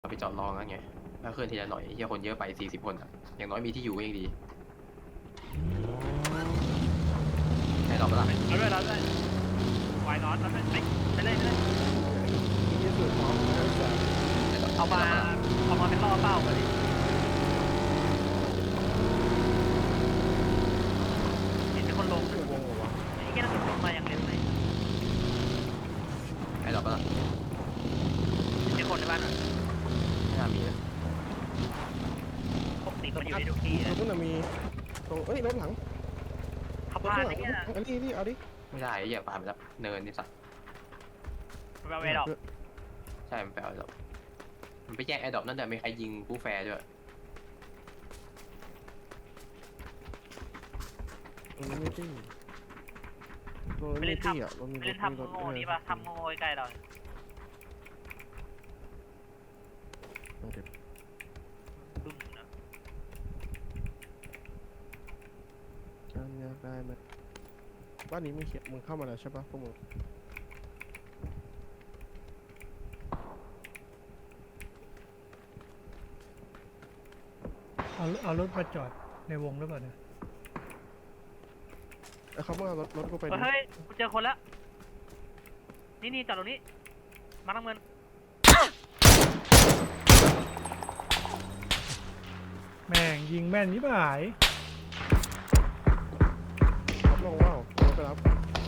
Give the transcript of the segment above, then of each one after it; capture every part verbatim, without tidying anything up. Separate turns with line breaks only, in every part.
เราไปจอดรองั้นไงถ้าเคลื่อนทีละหน่อยเฮียคนเยอะไปสี่สิบคนอ่ะอย่างน้อยมีที่อยู่ก็ยังดีให้เราไปละ
เราด้วยเราด้วยวายนอนเราด้วยไปไปเลยไปเลยเอามาเอามาเป็นล่อเป้ากันดิเห็นเป็นคนลงไอ้แค่นั้นลงมาอย่างเร็วเลย
ให้เราไปละ
เห็นคนในบ้านอ่ะ
ไม่น่ามีนะ
ปกติมันอยู่ในทุกที่เลย
ตรงนั้นมีตรงเอ้ยรถหลัง
ขับ
รถ
ผ่าน
ข้างหลั
ไอ้
ง
เงี้ย
อันนี้นี่เอาดิ
ไม่ได้ไอ้เหี้ยป่าไปแล้วเนินนี่สัตว์
มันไปเอาไอ้ดอก
ใช่มันไปเอาไอ้ดอกมันไปแย่งไอ้ดอกนั่นแต่ไม่ใครยิงผู้แฟร์ด้วย
ตรงนี้ไม่ตี้ตรงนี้ไม่ตี้อ่ะรถมี
ไป
ร
เล่
ถ
น
มีรถ
ทำโง่นี่ปะทำโง่ใกล้เรา
เก็บ
บึ้มนะ
การยากได้ไหมบ้านนี้ไม่เขียนมึงเข้ามาแล้วใช่ปะพวกมึง
เอาเอารถมาจอดในวงหรือเปล่าเนี่ย
เอ้ยเขามาเอารถรถกูไปดิ
เฮ้ยกูเจอคนแล้วนี่นี่จอดตรงนี้มาทั้งเงิน
แม่งยิงแม่นยิ่งหาย
รับรองว่าวรถไปรับ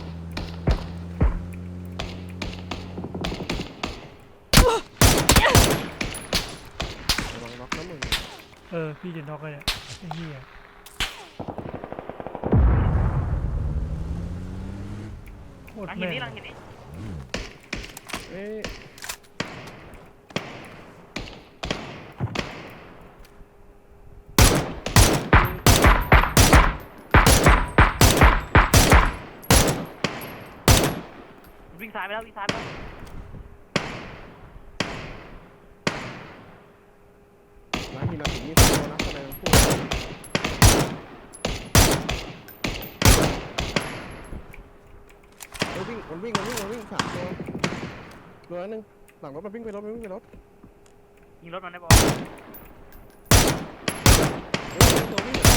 ระวังล็อกนะมึง
เออพี่จะน็อกเลยเนี่ยไอ้เหี้ยโคต
หลั
รง
หิน
แม่น
นี้หลังหินนี้
เอ้ย
วิ่งซ้ายไปแล้ววิ่งซ้ายไปแล้ว
ร้านมีนาถึงนี่ตัวนะแสดงพูดเอ้ยวิ่งมันวิ่งมันวิ่งมันวิ่งสามตัวตัวนึงหลังรถมันวิ่งไปรถมันวิ่งไปรถ
ยิงรถมันได้ปะ
เอ้ยตัววิ่งอะ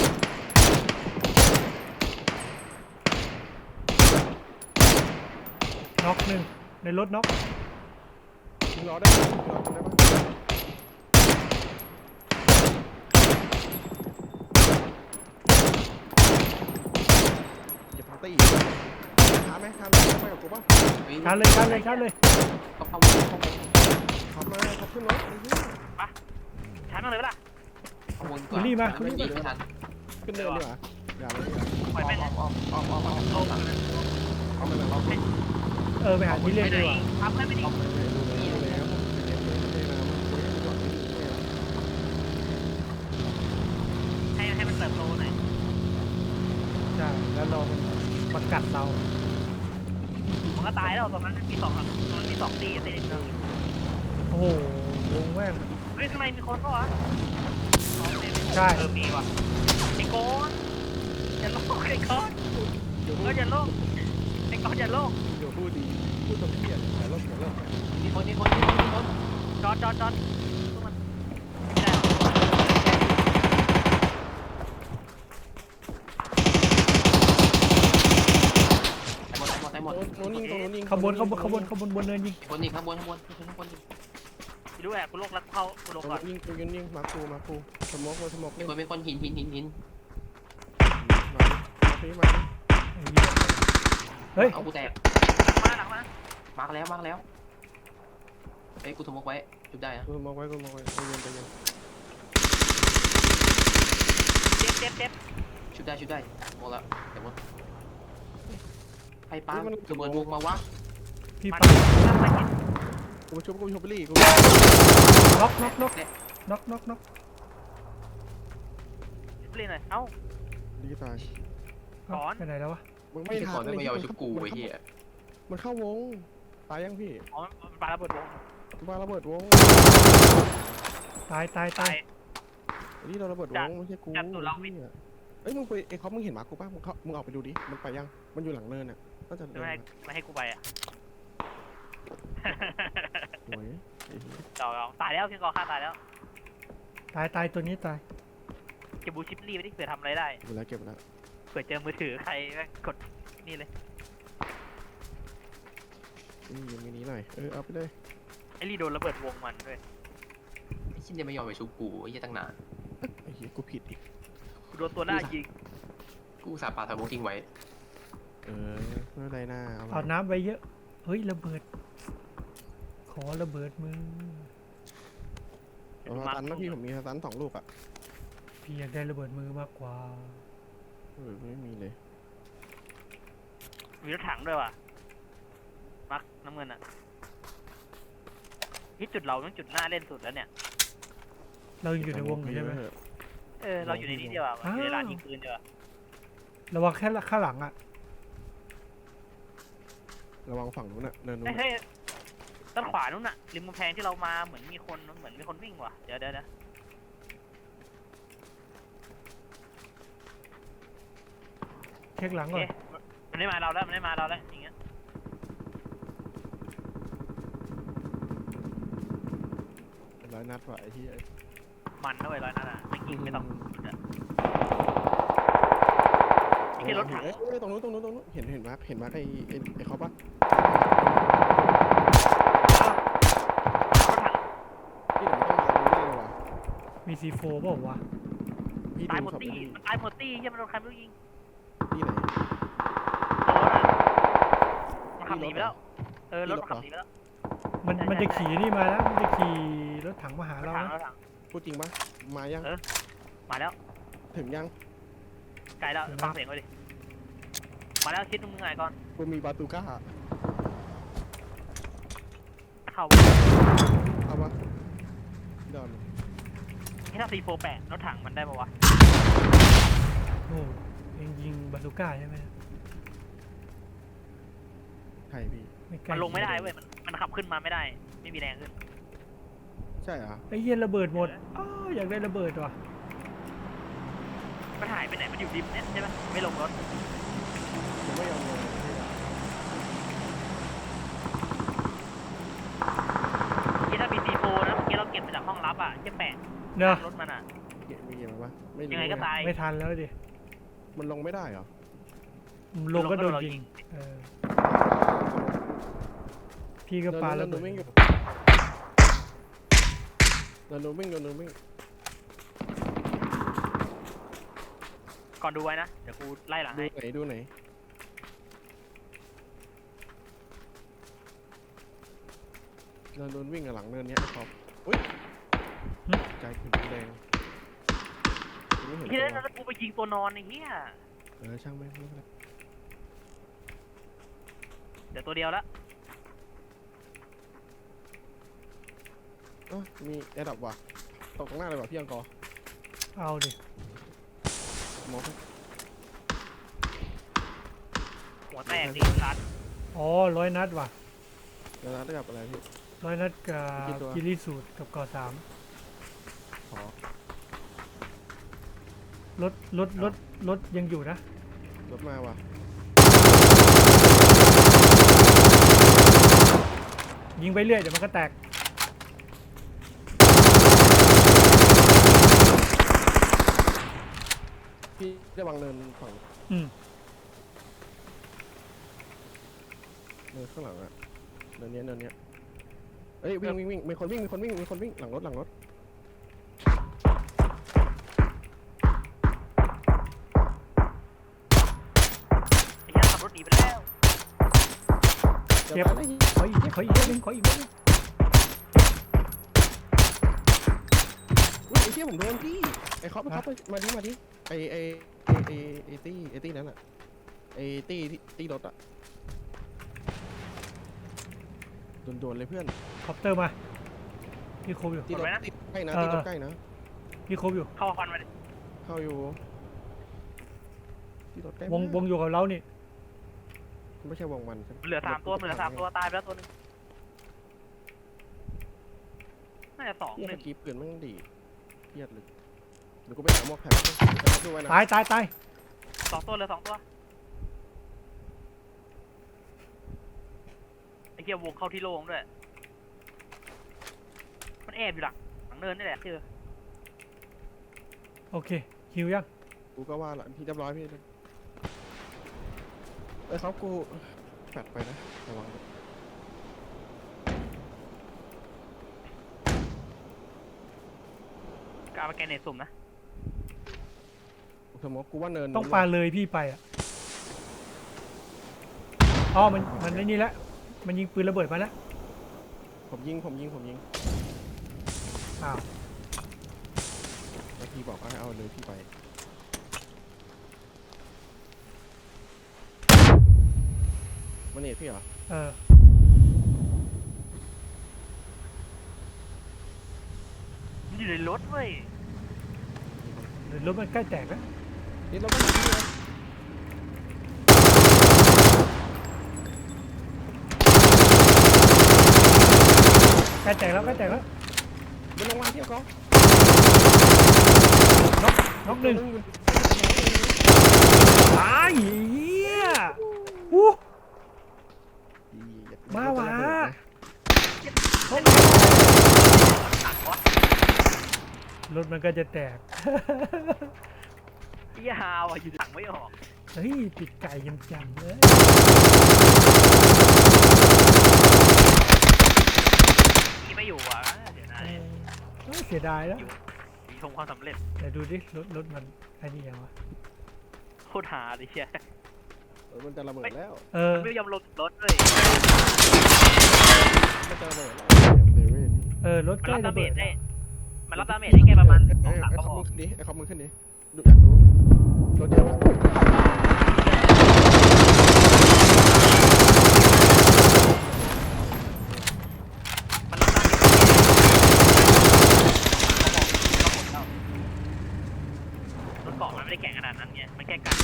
น็อกหนึ่งในรถน็อก
ยิงล้อได้ปะยิงล้อได้ปะเก็บพาร์ตี้ท้าไหมท้าไหมไปกับกูป่ะ
ฮ้
ชาร์จเลยชาร์จเลยชาร์จเลย
เข้าเข้าเข้าเข้า
ขับมาขับขึ้นรถไอ้เหี้ย
ชาร์จมันเลยปะล่ะ
เข้าวนก่อนไม่ยิงไม่ทัน
ขึ้นเนินดีกว่าอย่าเลยอย่า
ปล่อยแม่งเลย
อ้อมอ้อมอ้อมอ้อมอ้อมอ้อม
เอามันเลยเอาไป
เออไปหาที่เล่น
ไปไหน
ดีกว่า
ทำให้ไม่ดี
ดูแล้วดูแล้วคุยกันก่อน
ให้ให้มันเติบโตหน่อย
ใช่แล้วเรามันกัดเรา
มันก็ตายแล้วตอนนั้นมีสองตอนนั้นมีสองตีตีนึง
โอ้โหวงแม่ง
เฮ้ยข้างในมีคนปะวะ
ใช่
เออมีว่ะไอ้โกนอย่าโลกไอ้โกน
เดี๋ยว
เอ
พู
อ
ด
อย่าโลกไอ้โกนอย่าโลก
เดี๋ยวพูดดีพูดตรงเพี้ยนแต่ลบแต่ลบ
มีคนมีคนมีคนมีคน
จอดจอดจอดสู้มันไม่ได้หรอก
หมดหมดหมด
โน้นยิงตรงโน้นยิง
ขบวนขบวนขบวนขบวนบนเนินยิง
คนยิงข้างบนข้างบนข้างบน
ไปดูแอบกูโลกรัดเข้ากูโลก
ตรง
ก่อน
ยิงตรงยิงยิงมาคูมาคูสมองมาสมอง
มี
เล่น
คนเป็นคนหินหินหินหิน
มาดิมาดิ
ไอ้เหี้ยเฮ้ย
เอากูแตก
มาหลังมา
มาร์กแล้วมาร์กแล้วเอ้ยกูสมมติไว้จุดได้นะ
กูมองไว้กูมองไว้ใจเย็นใจเย็น
เจ็บเจ็บเจ็บ
ชุดได้ชุดได้หมดแล้วเดี๋ยวหมดใครปาระเบิดวงมาวะ
พี่
มัน
ปัง
ถ้าไปเห็น
กูชมกูชมไปรี่กู
น็อกน็อกน็อกน็อกน็อกน็อก
เล่นหน่อยเอ้า
ดีตาย
ถอน
ไปไหนแล้ววะ
มึง
ไม่
ไม่
ใช่
ทั
ก่อน นไม่ยอมชุบกูไอ้เหี้ย
มันเข้าวงตายยังพี่
อ๋อมันปาระเบิดวง
มาระเบิดวง
ตายตายตา
ตาย ย
นี่เราระเบิดวงไม่ใช่กู
จับตัวเราไม่
เอ้ยมึงไปไอ้เขามึงเห็นหมากูป่ะมึงเขามึงออกไปดูดิมันไปยังมันอยู่หลังเนินอ่ะน่าจะ
ไม่ให้ไม่ให้กูไปอ่ะ
โอ้ยไอ้เหี้ย
เดี๋ยวเอาตายแล้วพี่กอฆ่าตายแล้ว
ตายตายตัวนี้ตาย
เก็บบูชิปลี่ไปดิเผื่อทำอะไรได้
เก็บแล้วเก็บแล้ว
เผื่อเจอมือถือใครแม่งกดนี่เลย
นี่ยังมีนี้หน่อยเออเอาไปเลย
ไอ้ลี่โดนระเบิดวงมันด้วย
ไอ้ชิ้นเนี่ยไม่ยอมไปชุบกูไอ้เหี้ยตั้งนาน
ไอ้เหี้ยกูผิดอีก
กูโดนตัวหน้ายิง
กูอุตสาห์ปาทาโมทิ้งไว้
เออไม่เป็นไรหน้าเอา
เอาน้ำไว้เยอะเฮ้ยระเบิด ขอระเบิดมือ
เอาสตันนะพี่ผมมีสตันสองลูกอ่ะ
พี่อยากได้ระเบิดมือมากกว่า
เออไม่มีเลย
มีรถถังด้วยว่ะมักน้ำเงินอ่ะที่จุดเราต้องจุดหน้าเล่นสุดแล้วเนี่ย
เรายังอยู่ในวงอยู่ใช่ไหม
เถอะ
เออเราอยู่ในนี้เดียวอ่ะอยู่ในร้านยิงปืนเดียวอะ
ระวังแค่ข้างหลังอ่ะ
ระวังฝั่งนู้นน่ะเนินนู้
เฮ้ย
น
เฮ้ยด้านขวานู้นน่ะริมกำแพงที่เรามาเหมือนมีคนเหมือนมีคนวิ่งว่ะเดี๋ยวเดี๋ยวเดี๋ยว
เช็คหลัง
โอ
ก่
เค
อน
มันไม่มาเราแล้วมันไม่มาเราแล้วอย่างเงี้ย
ร้อยนัดว่ะไอ้ที่
มันนะเว้ยร้อยนั่นอ่ะไม่ยิงไม่ต้องไอ้ที่รถถัง
เอ้ยตรงนู้นตรงนู้นตรงนู้นเห็นเห็นมาร์คเห็นมาร์คไอ้ไอ้ไอ้เขาปะ
รถถัง
พี่เดี๋ยวมันต้องมาตรงนี้เลยว่ะ
มีซีโฟเปล่าวะ
พี่
ตาย
ดู
หมด
ศพ
ตี้
ที่
มันตายหมดตี้ยังมันโดนใครไม่รู้ยิง
ที่ไหน
รถอ่ะมันขับหนีไปแล้วเออรถมันขับหนีไปแล้ว
มัน
ใช่
มัน
ใช่
จะขี่นี่มาแล้วมันจะขี่รถถังมาหาร
ถ
เรา
ถัง
นะ
รถถัง
พูดจริงปะมายัง
เออ มาแล้ว
ถึงยัง
ไกลแล้วฟังเสียงไว้ดิมาแล้วชิดมึงไงก่อน
กูมีบาตูก้า
เข้า
เอาปะดอน
ที่ถ้าซีโฟแปดรถถังมันได้ปะวะ
โอ้เองยิงบาซูก้าใช่ไหม
ใช่พี่
ไม่ใกล้
มันลงไม่ได้เว้ยมันมันขับขึ้นมาไม่ได้ ไม่มีแรงขึ้น
ใช่เหรอ
ไอ้เหี้ยระเบิดหมดอ้าวอยากได้ระเบิดว่ะ
มันหายไปไหนมันอยู่ริมเนี่ยใช่ไหมไม่ลงรถ
ผมไม่ยอมลง
ที่ถ้ามีซีโฟนะเมื่อกี้เราเก็บมาจากห้องลับอ่ะแค่แปด
เนอะ
รถมันอ่ะ
เก็บมีเก็บมาปะไม่รู้
ยังไงก็ตาย
ไม่ทันแล้วดิ
มันลงไม่ได้เหรอ
ลงก็โดน
เรา
ยิงเออพี่ก็
เดิน
ปา
เดิ
ระ
น
เบิ
เดิ
ด
นวิ่งอยู่เดินเดินวิ่งเดินเดินวิ่ง
ก่อนดูไว้นะ เดี๋ยวกูไล่หลัง
ดู
ให้
ไหนดูไหนเดินเดินวิ่งกับหลังเนินเนี้ยครับอุ้ยใจถึงแดงไม่เห็น
ที่
ตัว
นั้นแล้วกูไปยิงตัวนอนไอ้เหี้ย
เออช่างแม่งไม่เป็นไร
เดี๋ยวตัวเดียวละ
เอ้ามีแอร์ดับว่ะตกตรงหน้าเลยว่ะพี่อังกอร์
เอาดิ
มองไป
หัวแตกดิคัน
อ๋อร้อยนัดว่ะ
แล้วได้กับอะไรพี่
ร้อยนัดกั
กี่
บ
ตัว
กิริสูตรกับกอสาม
ขอ
รถรถรถรถยังอยู่นะ
รถมาว่ะ
ยิงไปเรื่อยเดี๋ยวมันก็แตก
พี่ได้วางเนินฝั่ง
อืม
เนินข้างหลังอะเนินเนี้ยเนินเนี้ยเอ้ยวิ่งวิ่งวิ่งมีคนวิ่งมีคนวิ่งมีคนวิ่งหลังรถหลังรถ
ไอ้เหี้ยขับรถหนีไปแล้ว
จะ
เจ็บ
ไปได้ยิง
ขออีกขออีกนิดนึงขออีกนิดนึง
อุ้ยไอ้เหี้ยผมโดนพี่ไอ้คอปไอ้คอปมาดิมาดิไอ้ไอ้ไอ้ไอ้ไอ้ตี้ไอ้ตี้นั้นอะไอ้ตี้ที่ตี้รถอะโดนๆเลยเพื่อน
คอปเตอร์มาพี่ครบอยู่
ตี้รถตี้ใกล้นะ
เออ
ตี้รถใกล้นะ
พี่ครบอยู่
เข้าควันมาดิ
เข้าอยู่ตี้รถใกล้ว
ง
มาก
วงอยู่กับเรานี่
ไม่ใช่วงมันใช่ไหม
เหลือสามตัวเหลือสามตัวตายไปแล้วตัวหนึงน่าจะสอง
เหี้ย
หนึ่
เมื่
ง
อกี้ปืนแม่งดีเครียดเลยเดี๋ยวกูไปหาหมอกแผ่นไปดูไว้นะ
ตายตายตาย
สองตัวเหลือสองตัวไอ้เหี้ยวงเข้าที่โล่งด้วยแอบอยู่หลังหลังเนินนี่แหละเจอ
โอเคฮิวยัง
กูก็ว่าละพี่เรียบร้อยพี่ไอ้ยเขากูแฟดไปนะระวังด้วย
กามาแกนเนตสุ่มนะ
สมมติกูว่าเนิน
ต้องปาเลยพี่ไปอ่ะอ๋อมันมันไอ้นี่แล้วมันยิงปืนระเบิดมาแล้ว
ผมยิงผมยิงผมยิง
อ้าว
แล้วพี่บอกว่าให้เอาเลยพี่ไปมันเนตพี่เหรอ
เออ
มันอยู่ในรถเว้ย
เดี๋ยวรถมันใกล้แตกแล้ว
นี่เราก็ยิงพี่เลย
ใกล้แตกแล้วใกล้แตกแล้ว
มันลงมาเที่ยวเขา
น็อกน็อกหนึ่งตายเหี้ยวู้ บ้าวะ รถมันก็จะแตก
พี่ฮาวอ่ะอยู่หลังไม่ออก
เฮ้ยติดไก่ยังจำเลย
พี่ไม่อยู่อ่ะเดี๋ยวนะ
เออเฮ้ยเสียดายแล้ว
มีชมความสำเร็จ
แต่ดูดิรถรถมันไอ้นี่ยังวะ
โคตรหาเลยเชีย
เออมันจะระเบิดแล้ว
เออ
มันไม่ยอมลงรถเลย
มันจะระเบิดแล้วเดวิด
เออรถ
มัน
ใกล้
รับดา
ระ
เม
เบิด
จได้มันรับดาเมจได้แค่ประมาณส
ไอ้
องสาม
ไอ้
กระ
คอ
บ
ม
อ
มึ
ก
งขึ้นดิไอ้คอมมึงขึ้นดิดูอยากรู้รถเยอะปะ
มันรับดาเมจกระบอกกระบอกแล้วรถเกาะมันไม่ได้แข็งขนาดนั้นไงมันแค่กัน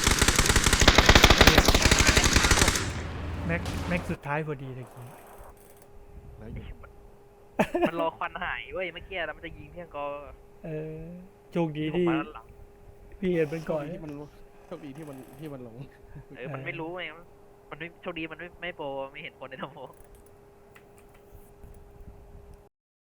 แม็กแม็กสุดท้ายพอดีเลยกี้
แล้วอยู่
มันรอควันหายเว้ยเมื่อกี้แล้วมันจะยิงเพียงก็
เออโชคดี
ผม
ที่
มาหลัง
พี่เห็นมันก่อน
ที่มันโชคดีที่มันที่มันลง
เออมันไม่รู้ไงมันไม่โชคดีมันไม่ไม่โปรไม่เห็นคนในทโม